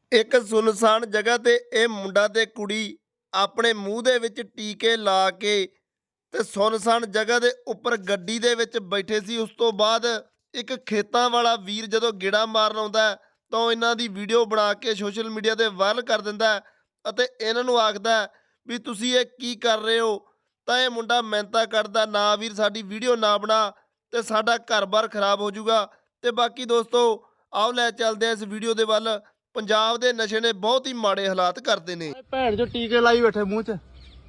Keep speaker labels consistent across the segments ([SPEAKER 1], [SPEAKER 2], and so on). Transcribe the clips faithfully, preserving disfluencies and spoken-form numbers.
[SPEAKER 1] ਇੱਕ ਸੁਨਸਾਨ ਜਗ੍ਹਾ ਤੇ ਇਹ ਮੁੰਡਾ ਤੇ ਕੁੜੀ ਆਪਣੇ ਮੂੰਹ ਦੇ ਵਿੱਚ ਟੀਕੇ ਲਾ ਕੇ ਤੇ ਸੁਨਸਾਨ ਜਗ੍ਹਾ ਦੇ ਉੱਪਰ ਗੱਡੀ ਦੇ ਵਿੱਚ ਬੈਠੇ ਸੀ। ਉਸ ਤੋਂ ਬਾਅਦ ਇੱਕ ਖੇਤਾਂ ਵਾਲਾ ਵੀਰ ਜਦੋਂ ਗੇੜਾ ਮਾਰਨ ਆਉਂਦਾ ਹੈ ਤਾਂ ਉਹ ਇਹਨਾਂ ਦੀ ਵੀਡੀਓ ਬਣਾ ਕੇ ਸੋਸ਼ਲ ਮੀਡੀਆ ਤੇ ਵਾਇਰਲ ਕਰ ਦਿੰਦਾ ਹੈ ਅਤੇ ਇਹਨਾਂ ਨੂੰ ਆਖਦਾ ਹੈ ਵੀ ਤੁਸੀਂ ਇਹ ਕੀ ਕਰ ਰਹੇ ਹੋ। ਤਾਂ ਇਹ ਮੁੰਡਾ ਮਿਹਨਤਾਂ ਕੱਢਦਾ, ਨਾ ਵੀਰ ਸਾਡੀ ਵੀਡੀਓ ਨਾ ਬਣਾ ਤੇ ਸਾਡਾ ਘਰ-ਬਾਰ ਖਰਾਬ ਹੋ ਜਾਊਗਾ। ਤੇ ਬਾਕੀ ਦੋਸਤੋ ਆਓ ਲੈ ਚੱਲਦੇ ਆ ਇਸ ਵੀਡੀਓ ਦੇ ਵੱਲ। ਪੰਜਾਬ ਦੇ ਨਸ਼ੇ ਨੇ ਬਹੁਤ ਹੀ ਮਾੜੇ ਹਾਲਾਤ ਕਰਦੇ ਨੇ।
[SPEAKER 2] ਭੈਣ ਜੋ ਟੀਕੇ ਲਾਈ ਬੈਠੇ ਮੂੰਹ 'ਚ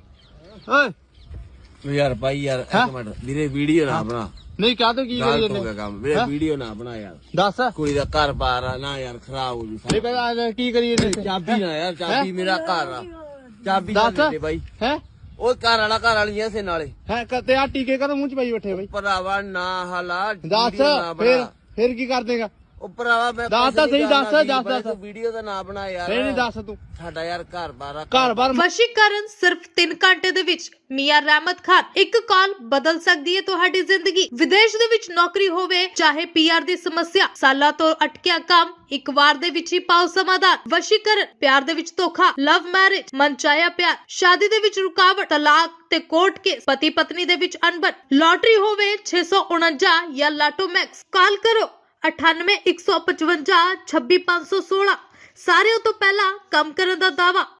[SPEAKER 2] ਓਏ
[SPEAKER 3] ਯਾਰ ਭਾਈ ਯਾਰ ਇੱਕ ਮਿੰਟ ਵੀਰੇ ਵੀਡੀਓ ਨਾ ਬਣਾ।
[SPEAKER 2] ਨਹੀਂ ਕਾਹ ਤੋਂ ਕੀ ਕਰੀ
[SPEAKER 3] ਗਲਤ ਹੋ
[SPEAKER 2] ਜਾਂਦੇ
[SPEAKER 3] ਗਿਆ ਕੰਮ ਵੀਰੇ, ਵੀਡੀਓ ਨਾ ਬਣਾ ਯਾਰ।
[SPEAKER 2] ਦੱਸ
[SPEAKER 3] ਕੁੜੀ ਦਾ ਘਰ ਬਾਰ ਆ ਨਾ ਯਾਰ, ਖਰਾਬ ਹੋ ਜੂ।
[SPEAKER 2] ਨਹੀਂ ਪਤਾ ਕੀ ਕਰੀ ਜਾਂਦੇ
[SPEAKER 3] ਚਾਬੀ ਨਾ ਯਾਰ, ਚਾਬੀ ਮੇਰਾ ਘਰ ਆ, ਚਾਬੀ
[SPEAKER 2] ਦੱਸ
[SPEAKER 3] ਦੇ ਦੇ ਬਾਈ।
[SPEAKER 2] ਹੈ
[SPEAKER 3] ਉਹ ਘਰ ਵਾਲਾ ਘਰ ਵਾਲੀ ਐ ਸੇ ਨਾਲੇ
[SPEAKER 2] ਹੈ ਤੇ ਆ ਟੀਕੇ ਕਦੋਂ ਮੂੰਹ 'ਚ ਪਾਈ ਬੈਠੇ ਬਈ।
[SPEAKER 3] ਭਰਾਵਾ ਨਾ ਹਾਲਾ
[SPEAKER 2] ਦੱਸ
[SPEAKER 3] ਵੀਡੀਓ ਨਾ
[SPEAKER 2] ਫਿਰ
[SPEAKER 3] ਬਣਾ।
[SPEAKER 2] ਫਿਰ ਕੀ ਕਰ ਦੇਗਾ।
[SPEAKER 3] ਉਹ ਭਰਾਵਾ ਮੈਂ
[SPEAKER 2] ਦੱਸ ਤਾਂ ਸਹੀ, ਦੱਸ ਦੱਸ ਦੱਸ
[SPEAKER 3] ਵੀਡੀਓ ਦਾ ਨਾ ਬਣਾ ਯਾਰ।
[SPEAKER 2] ਨਹੀਂ ਨਹੀਂ ਦੱਸ ਤੂੰ
[SPEAKER 3] ਸਾਡਾ ਯਾਰ ਘਰ ਬਾਰ ਆ।
[SPEAKER 2] ਘਰ ਬਾਰ
[SPEAKER 4] ਵਸ਼ੀਕਰਨ ਸਿਰਫ ਤਿੰਨ ਘੰਟੇ ਦੇ ਵਿੱਚ ਮੀਆਂ ਰਹਿਮਤ ਖਾਨ ਇੱਕ ਕਾਲ ਬਦਲ ਸਕਦੀ ਹੈ ਤੁਹਾਡੀ ਜ਼ਿੰਦਗੀ। ਵਿਦੇਸ਼ ਦੇ ਵਿੱਚ ਨੌਕਰੀ ਹੋਵੇ ਚਾਹੇ ਪੀਆਰ ਦੀ ਸਮੱਸਿਆ, ਸਾਲਾਂ ਤੋਂ ਅਟਕਿਆ ਕੰਮ ਇੱਕ ਵਾਰ ਦੇ ਵਿੱਚ ਹੀ ਪਾਓ ਸਮਾਧਾਨ। ਵਸ਼ੀਕਰਨ, ਪਿਆਰ ਦੇ ਵਿੱਚ ਧੋਖਾ, ਲਵ ਮੈਰਿਜ, ਮਨਚਾਹਿਆ ਪਿਆਰ, ਸ਼ਾਦੀ ਦੇ ਵਿੱਚ ਰੁਕਾਵਟ, ਤਲਾਕ ਤੇ ਕੋਰਟ ਕੇਸ, ਪਤੀ ਪਤਨੀ ਦੇ ਵਿੱਚ ਅਣਬਣ, ਲੋਟਰੀ ਹੋਵੇ ਛੇ ਸੌ ਉਨੰਜਾ ਜਾਂ ਲਾਟੋ ਮੈਕਸ। ਕਾਲ ਕਰੋ ਅਠਾਨਵੇਂ ਇੱਕ ਸੌ ਪਚਵੰਜਾ ਛੱਬੀ ਪੰਜ ਸੌ ਸੋਲਾਂ। ਸਾਰਿਆਂ ਤੋਂ ਪਹਿਲਾਂ ਕੰਮ ਕਰਨ ਦਾ ਦਾਅਵਾ।